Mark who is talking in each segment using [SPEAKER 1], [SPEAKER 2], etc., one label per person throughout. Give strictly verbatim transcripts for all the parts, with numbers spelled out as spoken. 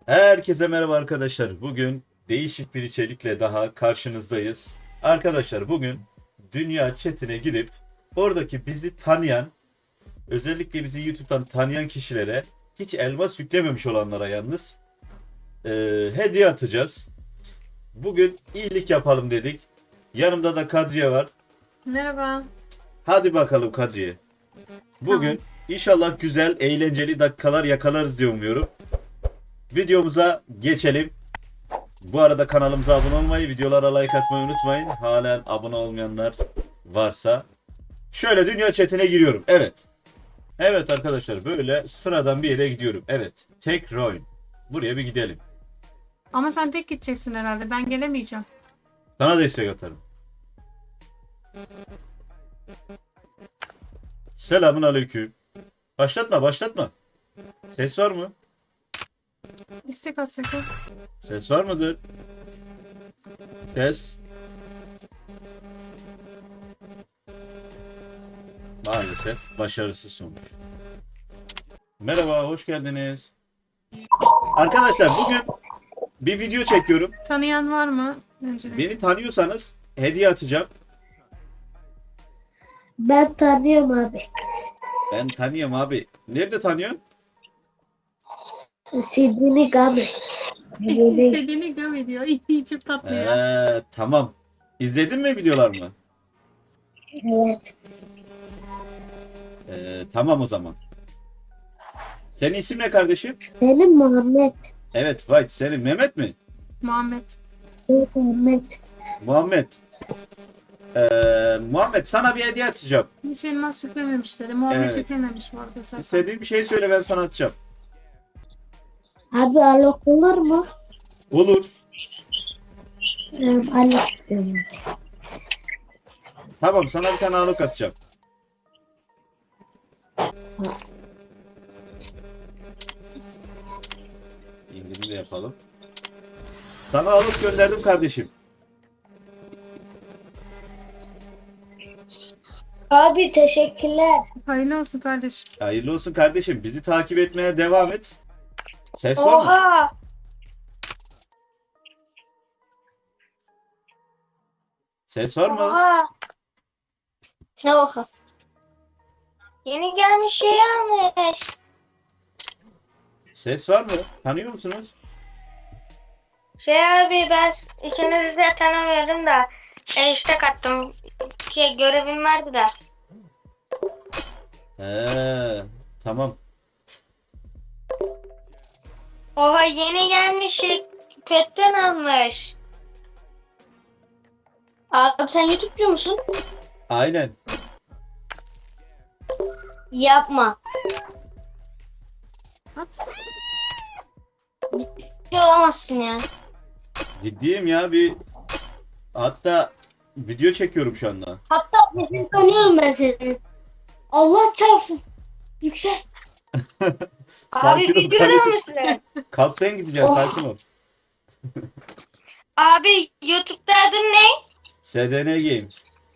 [SPEAKER 1] Herkese merhaba arkadaşlar. Bugün değişik bir içerikle daha karşınızdayız. Arkadaşlar bugün Dünya Chat'ine gidip oradaki bizi tanıyan, özellikle bizi YouTube'dan tanıyan kişilere, hiç elmas yüklememiş olanlara yalnız e, hediye atacağız. Bugün iyilik yapalım dedik. Yanımda da Kadriye var.
[SPEAKER 2] Merhaba.
[SPEAKER 1] Hadi bakalım Kadriye. Bugün
[SPEAKER 2] Tamam.
[SPEAKER 1] inşallah güzel, eğlenceli dakikalar yakalarız diye umuyorum. Videomuza geçelim. Bu arada kanalımıza abone olmayı, videolara like atmayı unutmayın. Halen abone olmayanlar varsa. Şöyle dünya chatine giriyorum. Evet. Evet arkadaşlar, böyle sıradan bir yere gidiyorum. Evet. Tek Roin. Buraya bir gidelim.
[SPEAKER 2] Ama sen tek gideceksin herhalde. Ben gelemeyeceğim.
[SPEAKER 1] Sana destek atarım. Selamun aleyküm. Başlatma başlatma. Ses var mı?
[SPEAKER 2] İstek atsak.
[SPEAKER 1] Ses var mıdır? Ses. Maalesef başarısız sonuç. Merhaba, hoş geldiniz. Arkadaşlar bugün bir video çekiyorum.
[SPEAKER 2] Tanıyan var mı? Öncelikle.
[SPEAKER 1] Beni tanıyorsanız hediye atacağım.
[SPEAKER 3] Ben tanıyorum abi.
[SPEAKER 1] Ben tanıyorum abi. Nerede tanıyorsun?
[SPEAKER 3] Sidney Gami. Böyle
[SPEAKER 2] Sevgili gam ediyor. İyi, çok tatlı ya.
[SPEAKER 1] Ee, tamam. İzledin mi videolarımı?
[SPEAKER 3] evet.
[SPEAKER 1] Ee, tamam o zaman. Senin isim ne kardeşim?
[SPEAKER 3] Benim Muhammed.
[SPEAKER 1] Evet White. Senin Mehmet mi?
[SPEAKER 2] Muhammed.
[SPEAKER 3] Evet Muhammed.
[SPEAKER 1] Muhammed. Ee, Muhammed sana bir hediye atacağım.
[SPEAKER 2] Hiç elmas yüklememiş dedi. Muhammed
[SPEAKER 1] Evet.
[SPEAKER 2] yüklememiş bu arada zaten.
[SPEAKER 1] İstediğin bir şey söyle, ben sana atacağım.
[SPEAKER 3] Abi alok olur mu?
[SPEAKER 1] Olur.
[SPEAKER 3] Ee, alok istiyorum.
[SPEAKER 1] Tamam, sana bir tane alok atacağım. İndirim de yapalım. Sana alok gönderdim kardeşim.
[SPEAKER 3] Abi teşekkürler.
[SPEAKER 2] Hayırlı olsun kardeşim.
[SPEAKER 1] Hayırlı olsun kardeşim. Bizi takip etmeye devam et. Ses var mı?
[SPEAKER 3] Oha.
[SPEAKER 1] Ses var mı?
[SPEAKER 3] Oha. Ne oha? Yeni gelmiş şey almış.
[SPEAKER 1] Ses var mı? Tanıyor musunuz?
[SPEAKER 3] Şey abi ben ikinizi de tanımıyordum da e, işte kattım. Şey görevim vardı da.
[SPEAKER 1] He, tamam.
[SPEAKER 3] Oha yeni gelmiş şey petten almış. Abi sen YouTube'cu musun?
[SPEAKER 1] Aynen.
[SPEAKER 3] Yapma.
[SPEAKER 2] At.
[SPEAKER 3] Ciddi olamazsın ya.
[SPEAKER 1] Ciddiyim ya, bir hatta video çekiyorum şu anda.
[SPEAKER 3] Hatta sesini tanıyorum ben seni. Allah çarpsın. Yüksel.
[SPEAKER 1] Sakin ol kardeşim.
[SPEAKER 3] musun?
[SPEAKER 1] Kalpten gideceğiz,
[SPEAKER 3] Oh.
[SPEAKER 1] sakin ol.
[SPEAKER 3] Abi YouTube'da adın ne?
[SPEAKER 1] S D N Game.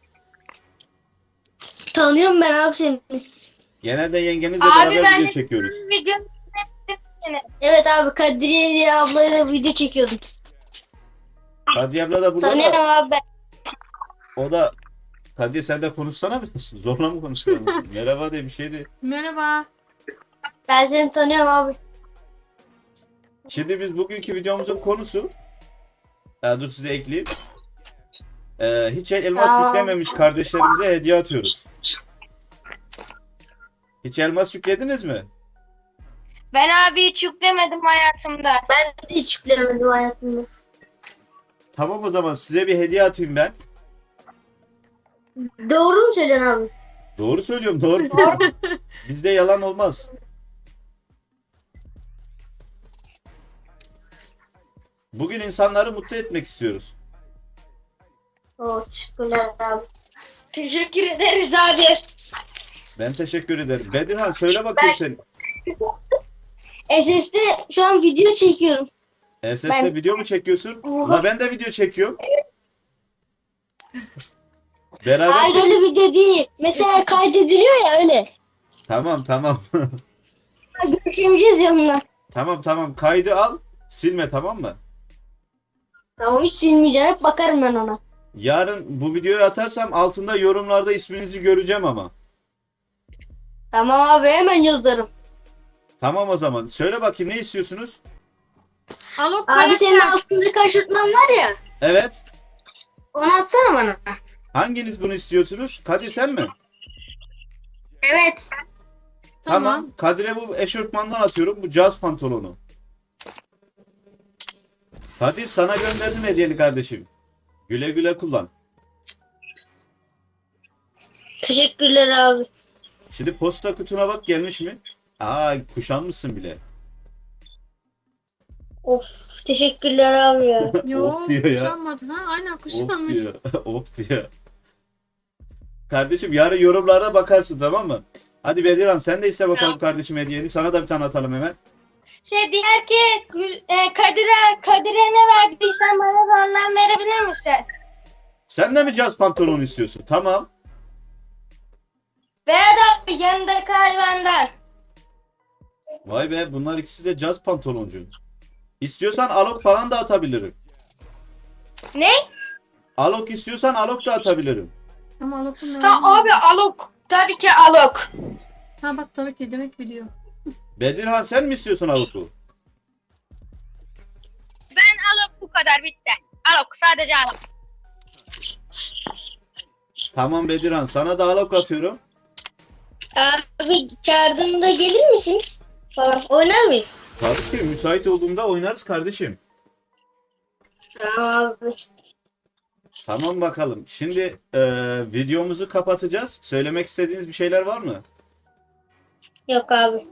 [SPEAKER 3] Tanıyorum ben abi seni.
[SPEAKER 1] Genelde yengenizle
[SPEAKER 3] Abi
[SPEAKER 1] beraber
[SPEAKER 3] ben
[SPEAKER 1] video
[SPEAKER 3] de-
[SPEAKER 1] çekiyoruz.
[SPEAKER 3] Video Evet abi Kadriye diye ablayla video çekiyordum.
[SPEAKER 1] Hadi abla da burada
[SPEAKER 3] Tanıyorum
[SPEAKER 1] da.
[SPEAKER 3] abi ben.
[SPEAKER 1] O da. Hadi sen de konuşsana biraz. Zorla mı konuşuyorsun? Merhaba de bir şey de.
[SPEAKER 2] Merhaba.
[SPEAKER 3] Ben seni tanıyorum abi.
[SPEAKER 1] Şimdi biz bugünkü videomuzun konusu. Ya dur size ekleyeyim. Ee, hiç elmas
[SPEAKER 3] Tamam.
[SPEAKER 1] yüklememiş kardeşlerimize hediye atıyoruz. Hiç elmas yüklediniz mi?
[SPEAKER 3] Ben abi hiç yüklemedim hayatımda. Ben de hiç yüklemedim hayatımda.
[SPEAKER 1] Tamam o zaman size bir hediye atayım ben.
[SPEAKER 3] Doğru mu söylüyorsun abi?
[SPEAKER 1] Doğru söylüyorum, doğru. Bizde yalan olmaz. Bugün insanları mutlu etmek istiyoruz.
[SPEAKER 3] Oo, teşekkürler abi. Teşekkür ederiz abi.
[SPEAKER 1] Ben teşekkür ederim. Bedirhan söyle bakayım sen.
[SPEAKER 3] S S'de şu an video çekiyorum.
[SPEAKER 1] S S'de
[SPEAKER 3] Ben-
[SPEAKER 1] video mu çekiyorsun?
[SPEAKER 3] Oha.
[SPEAKER 1] La ben de video çekiyorum. Beraber
[SPEAKER 3] Hayır
[SPEAKER 1] çek-
[SPEAKER 3] öyle video değil. Mesela kaydediliyor ya öyle.
[SPEAKER 1] Tamam tamam.
[SPEAKER 3] Görüşemeyeceğiz yanına.
[SPEAKER 1] Tamam tamam, kaydı al. Silme, tamam mı?
[SPEAKER 3] Tamam, hiç silmeyeceğim. Hep bakarım ben ona.
[SPEAKER 1] Yarın bu videoyu atarsam altında yorumlarda isminizi göreceğim ama.
[SPEAKER 3] Tamam abi, hemen yazarım.
[SPEAKER 1] Tamam o zaman. Söyle bakayım, ne istiyorsunuz?
[SPEAKER 2] Alok
[SPEAKER 3] Abi senin
[SPEAKER 2] karakter.
[SPEAKER 3] altında kaşırtman var ya.
[SPEAKER 1] Evet.
[SPEAKER 3] Onu atsana bana.
[SPEAKER 1] Hanginiz bunu istiyorsunuz? Kadir sen mi?
[SPEAKER 3] Evet.
[SPEAKER 1] Tamam.
[SPEAKER 2] Tamam.
[SPEAKER 1] Kadir'e bu eşofmandan atıyorum. Bu caz pantolonu. Kadir, sana gönderdim hediyeni kardeşim. Güle güle kullan.
[SPEAKER 3] Teşekkürler abi.
[SPEAKER 1] Şimdi posta kutuna bak, gelmiş mi? Aa, kuşanmışsın bile.
[SPEAKER 3] Of, teşekkürler abi ya.
[SPEAKER 2] Yo,
[SPEAKER 1] Of diyor ya.
[SPEAKER 2] kuşanmadı. Ha, aynen
[SPEAKER 1] Of
[SPEAKER 2] kuşanmış.
[SPEAKER 1] diyor. Of diyor. Kardeşim yarın yorumlara bakarsın, tamam mı? Hadi Bedirhan, sen de iste bakalım kardeşim hediyeni. Sana da bir tane atalım hemen.
[SPEAKER 3] Şey diğer ki e, Kadir'e Kadir'e ne verdiysen bana da ondan verebilir misin?
[SPEAKER 1] Sen de mi caz pantolonu istiyorsun? Tamam.
[SPEAKER 3] Ver abi, yanındaki hayvandan.
[SPEAKER 1] Vay be, bunlar ikisi de caz pantoloncu. İstiyorsan alok falan da atabilirim.
[SPEAKER 3] Ne?
[SPEAKER 1] Alok istiyorsan alok da atabilirim.
[SPEAKER 2] Ama Alok'un ne
[SPEAKER 3] Ha
[SPEAKER 2] olduğunu-
[SPEAKER 3] abi, Alok. Tabii ki Alok.
[SPEAKER 2] Ha bak, tabii ki demek biliyor.
[SPEAKER 1] Bedirhan, sen mi istiyorsun aloku?
[SPEAKER 3] Ben Alok, bu kadar, bitti. Alok, sadece Alok.
[SPEAKER 1] Tamam Bedirhan, sana da alok atıyorum.
[SPEAKER 3] Abi çağırdığında gelir misin? Falan oynar mıyız?
[SPEAKER 1] Tabii ki, müsait olduğumda oynarız kardeşim.
[SPEAKER 3] Tamam abi.
[SPEAKER 1] Tamam bakalım. Şimdi e, videomuzu kapatacağız. Söylemek istediğiniz bir şeyler var mı?
[SPEAKER 3] Yok abi.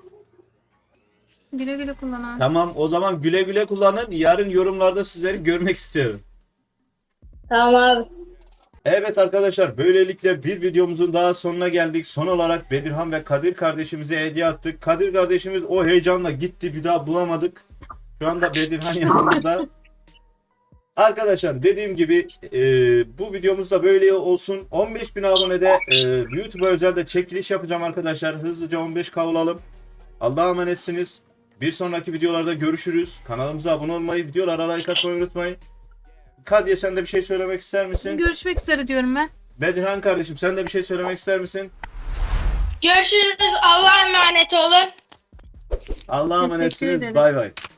[SPEAKER 2] Güle güle kullan abi.
[SPEAKER 1] Tamam, o zaman güle güle kullanın. Yarın yorumlarda sizleri görmek istiyorum.
[SPEAKER 3] Tamam abi.
[SPEAKER 1] Evet arkadaşlar, böylelikle bir videomuzun daha sonuna geldik. Son olarak Bedirhan ve Kadir kardeşimize hediye attık. Kadir kardeşimiz o heyecanla gitti, bir daha bulamadık. Şu anda Bedirhan yanımızda. Arkadaşlar dediğim gibi e, bu videomuz da böyle olsun. on beş bin abonede e, YouTube'a özel de çekiliş yapacağım arkadaşlar. Hızlıca on beş K olalım. Allah'a emanetsiniz. Bir sonraki videolarda görüşürüz. Kanalımıza abone olmayı, videolara like atmayı unutmayın. Kadiye, sen de bir şey söylemek ister misin?
[SPEAKER 2] Görüşmek üzere diyorum ben.
[SPEAKER 1] Bedirhan kardeşim, sen de bir şey söylemek ister misin?
[SPEAKER 3] Görüşürüz. Allah'a emanet olun.
[SPEAKER 1] Allah'a
[SPEAKER 2] Teşekkür
[SPEAKER 1] emanetsiniz.
[SPEAKER 2] ederiz.
[SPEAKER 1] Bay bay.